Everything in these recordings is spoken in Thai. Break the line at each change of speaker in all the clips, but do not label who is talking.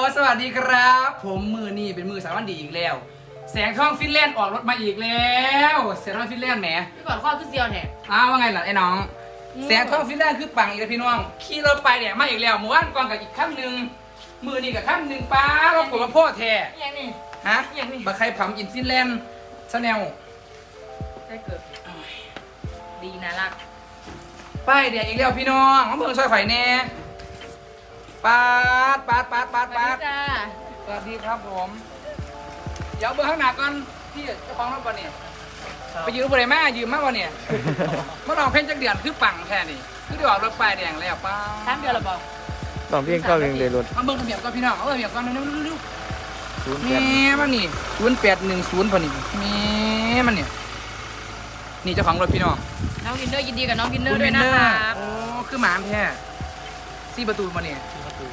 สวัสดีครับผมมือนี่เป็นมือสามวันดีอีกแล้วแสงทองฟินแลนด์ออกรถมาอีกแล้วแสงทองฟินแลนด์แหม
พี่ก่อนข้อคือเซียวแท้
ว่าไงล่ะไอ้น้องแสงทองฟินแลนด์คือปังอีกแล้วพี่น้องขี่รถไปเนี่ยมาอีกแล้วเมื่อวานก่อนกับอีกครั้งหนึ่งมือนี่กับครั้งหนึ่งป้าเราปวดมาพ่อแท้
ยังนี่
ฮะ
ยังนี่
บักใครผัมอินฟินแลนด์ชาแนล
ได้เกิดดีนะรัก
ป้ายเดี๋ยวอีกแล้วพี่น้องมาเบิ่งซอยไข่แน่ปาด
สวัสดีจ้า
สวัสดีครับผมเดี๋ยวเบิ่งข้างหน้าก่อนที่เจ้าของรถก่อนเนี่ยไปยืมบริมายืมมากกว่าเนี่ยเมื่อลองเพ่งจักเดือนคือปังแค่นี้คือได้ออกรถป้ายแดงแล้วป้า
3 เดือนแล้วบ่
สองเพียงเข้าเองเลยรถ
มาเบิ่งทะเบียนก่อนพี่น้องเอาทะเบียนก่อนเร็ว
ศูนย์
ๆ
แป
แม่
ด
มันนี่0810พอนี่แม่มันเนี่ยนี่เจ้าของรถพี่น้อง
น้องวินเนอร์ยินดีกับน้องวินเนอร์ด้วยนะครับ
โอ้คือหมาแท้4 ประตูมาเนี่ย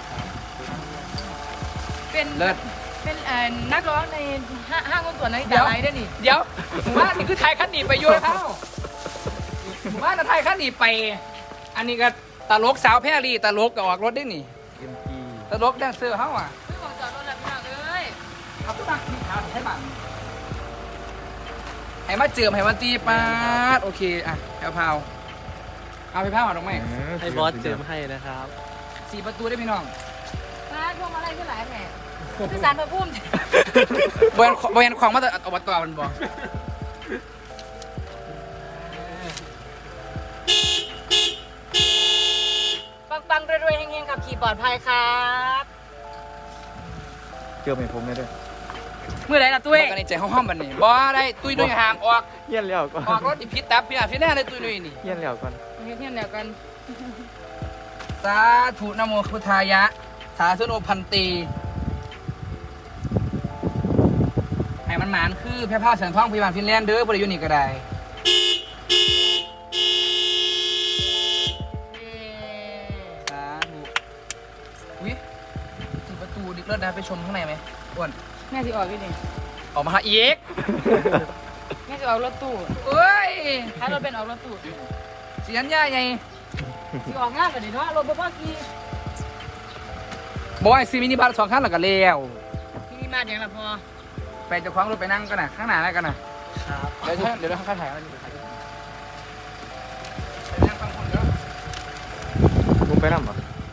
เป็น
เลิศ
เป็นนักร้องในห้างหุ้นส่วนนาฬิ
เดี๋
กา
ยว
ไลท์ด้วยนี่
เดี๋ยวผมว่านี่คือไทยขันหนีไปอยู่แล้วผมว่าไทยขันหนีไป อันนี้ก็ตลกสาวแพรรี่ตลกก็ออกรถได้นี่
เอ็มจี
ตลกแดนเซอร์เฮาอ่ะ
พี่บอกจอดรถแล้วพี่น้องเอ้ย
เอาตัวตั้งที่ขาวให้บังให้มาเจิมให้มาตีปาดโอเคอ่ะเอาพาวเอาไปพาวอ่ะน้องแม่
ให้บอสเจิมให้นะครับ
4 ประตูได้พี่น้อง
มาพวกอะไรขึ้นหลายแผลคือสารพระพุ่ม
บริเวณของมาแต่อบตมันบอก
ปังๆรวยๆเฮงๆขับขี่ปลอดภัยครับ
เจิมให้ผมไม่ได้
เมื่อไหร่ล่ะตุ้ย
บอกกันในใจห้องๆมันนี่บ่ได้ตุ้ยด้วยห่างออก
เยี่ยนแล้วก่อน
ออกรถอีพิษตับพี่อ่ะพี่แน่เลยตุ้ยด้วยนี่
เยี่ยนแล้วก่อน
เที่ยงเดียวกัน
สาธุนะโมพุทธายะ สาธุโนพันตีให้มันหมานคือแพร่ผ้าแสงทองพยาบาลฟินแลนด์เด้อบริยูนี่ก็ได้สาธุวิสี่ประตูดิเลิศนะไปชมข้างในไหมอ้วน
แม่สิออกพี่นี่
ออกมาหาอีก
แม่สิออกรถตู้
เอ้ย
ถ้ารถเป็นออกรถตู้
เสียนย่าไง
สิออกงานกันดิเนาะรถบ่พอกี่
บอกว่าซีมินิบัส2 คันแล้วก็แล้ว
พี่นี่มาอย่างละพอ
ไปเจะคว้าของรถไปนั่งกันนะข้างหน้าแล้วกันนะครับ เดี๋ยวข้างถ่ายแล้วนี่ไปนั่งฟังคนเด้อ
ลุงไปนั่งเหรอ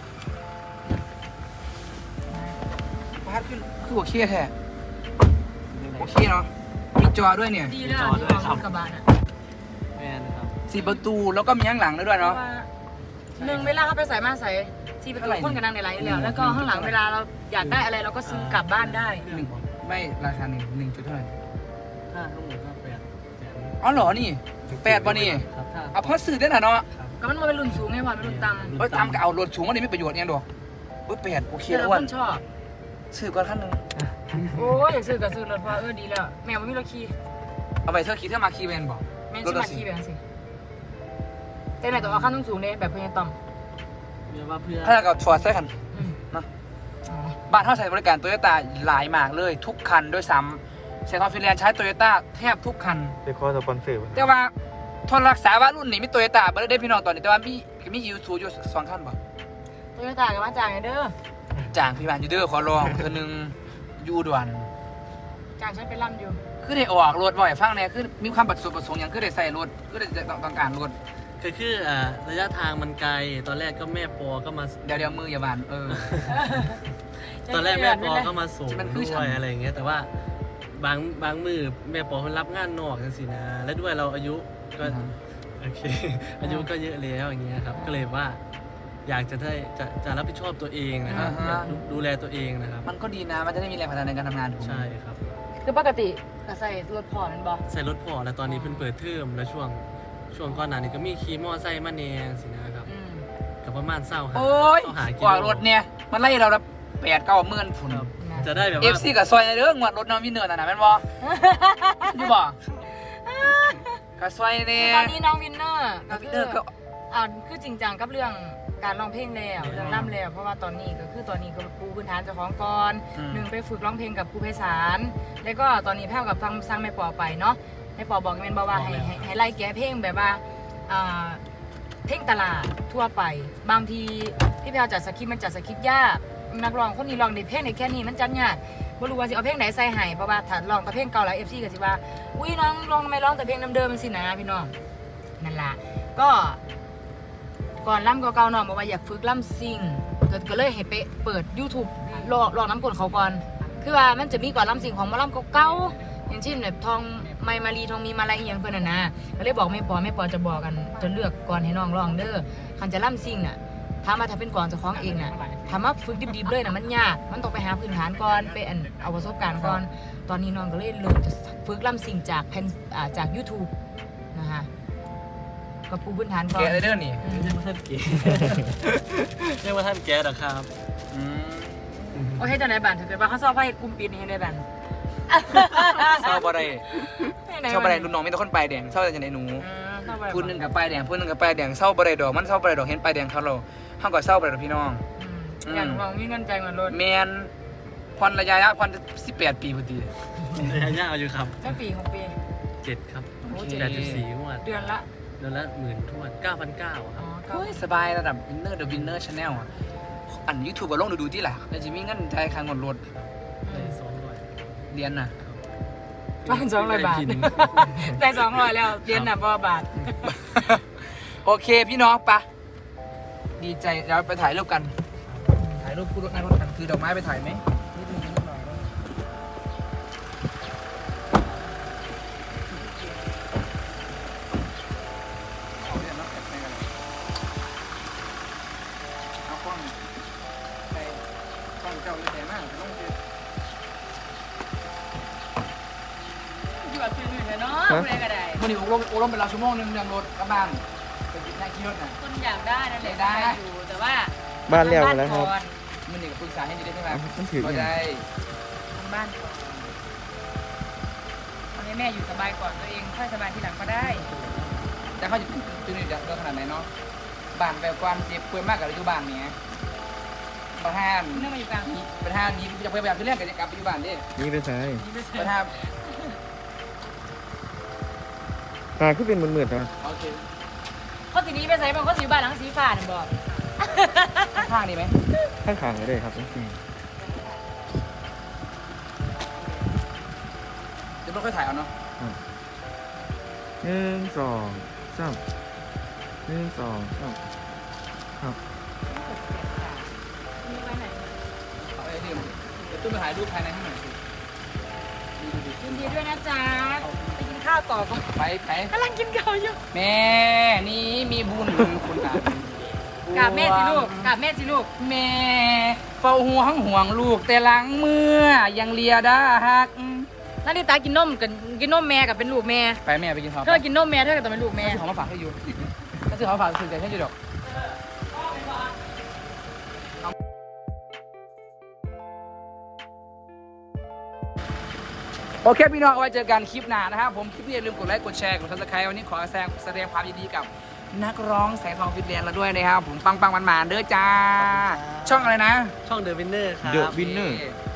พาดขึ้นคือโอเคแท้โอเคเนาะมีจอด้วยเนี่ย
ดีแล้วที่ออกรถกระบะน่ะ
แม่นะครับ
4 ประตูแล้วก็มีข้างหลังด้วยเนาะ
หนึ่งเวลาเขาไปใส่มาใส่ที่ประตูคนกันนั่งในไลน์แล้วแล้วก็ข้างหลังเวลาเราอยากได้อะไรเราก็ซื้อกลับบ้านได้
หนึ่งไม่ราคา1 จุดเท่าไหร่
ถ้าทั้งหมดก็8 แสน
อ๋อเหรอนี่8ป่ะนี่
ครับถ้า
เอาพอสื่อได้น่ะเนาะ
ก็มันเป็นรุ่นสูงไงพอเป็นรุ่นต่ำ
เอ้ยตามก็เอารถสูงอันนี้ไม่ประโยชน์เนี่ยดอกเอ้ย8โอเค
แต่
แล้ว
ละ
อ้ว
คน นชอบ
ซื้อก่อนขั้นหนึง
โอ้ยอยากซื้อก็ซื้อรถพอดีแล้วแมวไม่มีรถขี่
เอาไปเธอขี่เธอมาขี่เวนบอก
แม่ชิมาขี่แบบสิแต่ไหนต้องเอาขั้นสูงๆเลยแบบเพื่อนต่
เรียกว่าเพื่อ
ถ้ากับฟอร์ดใส่กัน
ำ
เนาะบ้านเท่าใช้บริการโตโยต้าหลายมากเลยทุกคันด้วยซ้ำเซนทรัลฟินแลนด์ใช้โตโยต้าแทบทุกคัน
ไปขอสปอนเซอร์
แต่ว่าทนรักษาว่ารุ่นนี้มีโตโยต้าบ่ได้พี่น้องตอนนี้แต่ว่ามียูทูอยู่2 คันบ่
โตโยต้ากับมาจ่ายเด้อ
จ้างพี่บ้านอยู่เด้อขอลองเธอนึงอยู่ด่วน
จ่ายฉันเป็นล่ำอยู่
คือได้ออกรถบ่อยฟังเนี่ยคือมีความประสงค์อย่างคือได้ใส่รถคือได้ต้องการรถ
คือระยะทางมันไกล ตอนแรกก็แม่ปอก็มา
เดี๋ยวมืออย่าบาน
ตอนแรกแม่ปอก็มาส่ง
มันคือ
ด้
ฉั
วน ยอะไรอย่างเงี้ย แต่ว่าบางมือแม่ปอมันรับงานนอกกันสินะ และด้วยเราอายุก็โอเค อายุก็เยอะแล้วอย่างเงี้ยครับ ก็เลยว่า อยากจะได้จะรับผิดชอบตัวเองนะครับอยากดูแลตัวเองนะครับ
มันก็ดีนะมันจะได้มีแรงผลักดันในการทำงานถูกไหม
ใช่ครับ
คือปกติก็ใส่รถพอนั่นบ่
ใส่รถพอแล้วตอนนี้เพิ่นเปิดเทอมแล้วช่วงก่อนหน้านี้ก็มีขี่มอไซค์มาแนงสินะครับ กับประมาณ
โ
20
อ้ย
หากิ
กว่ารถเนี่ยมันไล่เราละ8-9 หมื่นฝุ่น
ครับจะได้แบบ
เอฟ
ว่า
ซีกับซอยในเรื่องงวดรถน้องวินเนอร์น่ะนะแม่นบ่อยู่บ่กับซอยเนี่ย
ตอนนี้น้องวินเนอร์
น้
ก็
องวิน
คื
เนอ
อ
ร์ก็
คือจริงจังกับเรื่องการร้องเพลงแล้วเรื่องร่ำแล้วเพราะว่าตอนนี้ก็คือตอนนี้ก็ปูพื้นฐานเจ้าของก่อนหนึ่งไปฝึกร้องเพลงกับครูไพศาลแล้วก็ตอนนี้แพ้วกับฟังสร้างแม่ปอไปเนาะแม่ปอบอกแม่นบอกว่าให้ไล่แก้เพลงแบบว่าเพลงตลาดทั่วไปบางทีพี่แพลวจัดสคริปต์มันจัดสคริปต์ยากนักร้องคนนี้ร้องได้เพลงได้แค่นี้มันจัดยากบ่รู้ว่าสิเอาเพลงไหนใส่ให้เพราะว่าถ้าร้องแต่เพลงเก่าแล้ว FC ก็สิว่าอุ้ยน้องร้องทำไมร้องแต่เพลงเดิมๆมันสินะพี่น้องนั่นล่ะก็ก่อนล่ำเก่าๆน้องบอกว่าอยากฝึกล่ำซิ่งก็เลยให้ไปเปิด YouTube ลองน้ำกลเขาก่อนคือว่ามันจะมีก่อนล่ำซิ่งของหมอล่ำเก่าๆอย่างเช่นแบบทองไมมารีทองมีมาลายอีหยังเพิ่นน่ะนะก็เลยบอกแม่ปอจะบอกกันจะเลือกก่อนให้น้องร้องเด้อคันจะล่ำซิ่งน่ะถามว่าถ้าเป็นก่อนเจ้าของเองน่ะถามว่าฝึกดิบๆเลยน่ะมันยากมันต้องไปหาพื้นฐานก่อนไปเอาประสบการณ์ก่อนตอนนี้น้องก็เลยเริ่มจะฝึกล่ำซิ่งจาก YouTube นะคะก็ปูพื้นฐานก่อน
แกะเลยเด้อนี่
ยังไม่ท่านเก๋ ยังไม่ท่านแก๊สหรอครับ
โอเคจังไหนบ้านถ้าเกิดว่าเขาชอบให้กลุ่มปิดนี่ให้ได้บ้าน
เศร้าบ่ได้เศร้าบ่ได้รุ่นน้องมีแต่คนปลายแดงเศร้าจังได๋หนูพูดนึงกับปลายแดงพูดนึงกับปลายแดงเศร้าบ่ได้ดอกมันเศร้าบ่ได้ดอกเห็นปลายแดงเขาเราเฮาก็เศร้าบ่ได้ดอกพี่น้อง
อย่างลองมีเงินใจเหมือนรถ
แม่นผ่อนระยะผ่อน18 ปีพอดี
ระยะยาวอยู่ครับ
เจ้าปีของปี
7 ครับ
โอ้
8.4งวด
เดือนละ
เดือนละ10,000ท้วน9,900 ค
อ๋
รั
อบ ก็
เฮ้ยสบายระดับ Winner The Winner Channel อ่ะอัน YouTube ก็ลงดูที่ล่ะแล้วสิมีเงินจ่ายค่างวดรถ
ได้200
เรียนน่ะ
บ้าน200 บาท ได้200แล้วเดือนน่ะบ่บาท
โอเคพี่น้องปะดีใจเราไปถ่ายรูปกัน ถ่ายรูปคู่รถนั่งรถกันคือดอกไม้ไปถ่ายไหมนิดนึงนิดหน่อยเอาเดี๋ยวนับแอบไปกันเอากล้องไปกล้องเจ้าเลยแต่มากต้องเจอ
อยู่แบบชื่นๆเลยเนาะผู้ใดก็ได้
มื่อนี้อบรมเป็นเราชั่วโมงหนึงเรื่องรถกลับบ้านไปกินได้ขี่รถน่ะ
คนอยากได้นั่นแหละ
ได้
อยู่แต่ว่า
บ้านแล้วกันแล้วครับ
ก่อน
มื่อนี้ก็ปรึกษาให้ดีได้ใช่ไหม
มันถือ
ก็
อย่าง
ได้
ทำบ้านก่อนตอนนี้แม่อยู่สบายก่อนตัวเองค่อยสบายทีหลังก็ได้
แต่เขาจะตื่นเรื่องขนาดไหนเนาะบ้านแบบความเจ็บป่วยมากกับอยู่บ้านเนี้ยประธาน
เนื่องมาอยู่กลางนี้
ประธานนี้จะพยายามที่เรื่องกันจะกลับไปอยู่บ้านดิ
นี่เป็นไง
ประธาน
ตาขึ้นเป็นเหมือนๆนะ
โอเค
เขาสีนี้ไปใส่บางเขาสีบ้านหลังสีฟ้าเนี่ยบอก
ข้างๆนี่ไหม
ข้างๆก็ได้ครับจริง
เดี๋ยวเราค่อยถ่ายเอาเนาะ
ๆ1 2 3 1 2 3ครับ
มีไว้ไหน
เอาไอ้นี่มาเดี๋ยวตุ้มไปถ่ายรูปภายในให้หน่อยสิดูดิ
ยินดีด้วยนะจ๊ะไปกินข้าวต่อก่อน
ไป
กำลังกินข้าวอยู่
แม่นี่มีบุญคุณอ่ะ
กราบแม่สิลูกกราบแม่สิลูก
แม่เฝ้าห่วงลูกแต่หลังเมื่อยังเลียได้ฮัก
นาริตากินนมกันกินนมแม่กับเป็นลูกแม่
ไปแม่ไปกินข้าว
เธอกินนมแม่เธอก็ต้องเป็นลูกแม่
ซื้อของมาฝากให้อยู่ถ้าซื้อของมาฝากซื้อใจให้อยู่ดอกโอเคพี่น้องเอาไว้เจอกันคลิปหน้านะครับผมคลิปนี้อย่าลืมกดไลค์กดแชร์กดซับสไครต์วันนี้ขอแสดงความยินดีกับนักร้องแสงทองฟิตแลนด์เราด้วยนะครับผมปังๆมันๆเด้อจ้า ช่องอะไรนะ
ช่องเดอะวินเนอร์ครับ
The Winner
โอเค